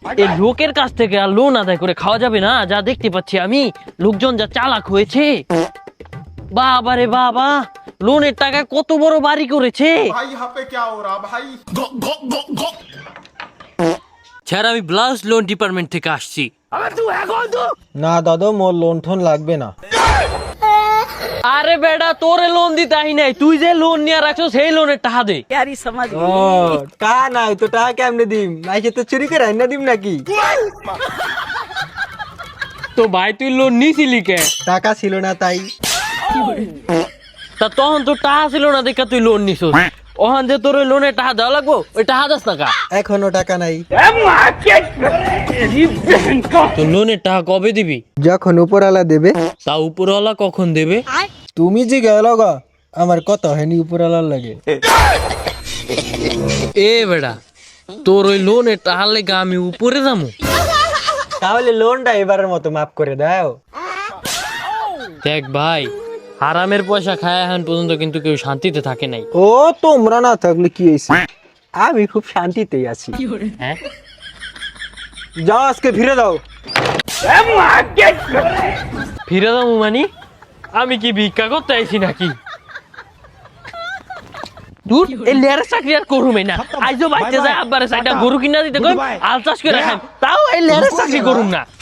এই লোকের কাছ থেকে আর লোন আদায় করে খাওয়া যাবে না। যা দেখতে পাচ্ছি আমি, লোকজন যা চালাক হয়েছে, বাবা রে বাবা, লোনের টাকা কত বড় বাড়ি করেছে। भाई यहाँ पे क्या हो रहा भाई? স্যার, আমি ব্লাউজ লোন ডিপার্টমেন্ট থেকে আসছি। না দাদু, মোর লোন ঠোন লাগবে না। আরে বেটা, তোরে লোন দিতে আহি নাই, তুই যে লোন নিয়ে রাখছো সেই লোনের টাকা দে। ও টাকা নাই তো টাকা কেমনে দিম? আইসে তো চুরি করে আইনা দিম নাকি? তো ভাই, তুই লোন নিছিলি কে? টাকা ছিল না তাই। তা তখন তো টাকা ছিল না দেখা তুই লোন নিছিস। ওখান যে তোর ওই লোনের টাকা দেওয়া লাগবো, ওই টাকা দাস না কা? এখনো টাকা নাই। তো লোনের টাকা কবে দিবি? যখন উপরওয়ালা দেবে। তা উপরওয়ালা কখন দেবে? তুমি যে গেল গা, আমার কত হয়নি উপরওয়ালার লাগে। এ বেটা, তোর ওই লোনের টাকা লেগে আমি উপরে যাবো? তাহলে লোনটা এবারের মতো মাফ করে দাও। দেখ ভাই, হারামের পয়সা খায় এখন পর্যন্ত কিন্তু কেউ শান্তিতে থাকে নাই। ও তোমরা না থাকলে কি হয়েছে, আমি খুব শান্তিতেই আছি। হ্যাঁ, যাও আজকে ফিরে দাও। ফিরে যাবো মানে? আমি কি ভিক্ষা করতে আইছি নাকি? দূর, এই লেয়ারের চাকরি আর করুমে না। আইজো বাইতে যায় আব্বারে সাইডটা গরু কিনা দিতে কই, আল চাষ করে খাই, তাও এই লেয়ারের চাকরি করুম না।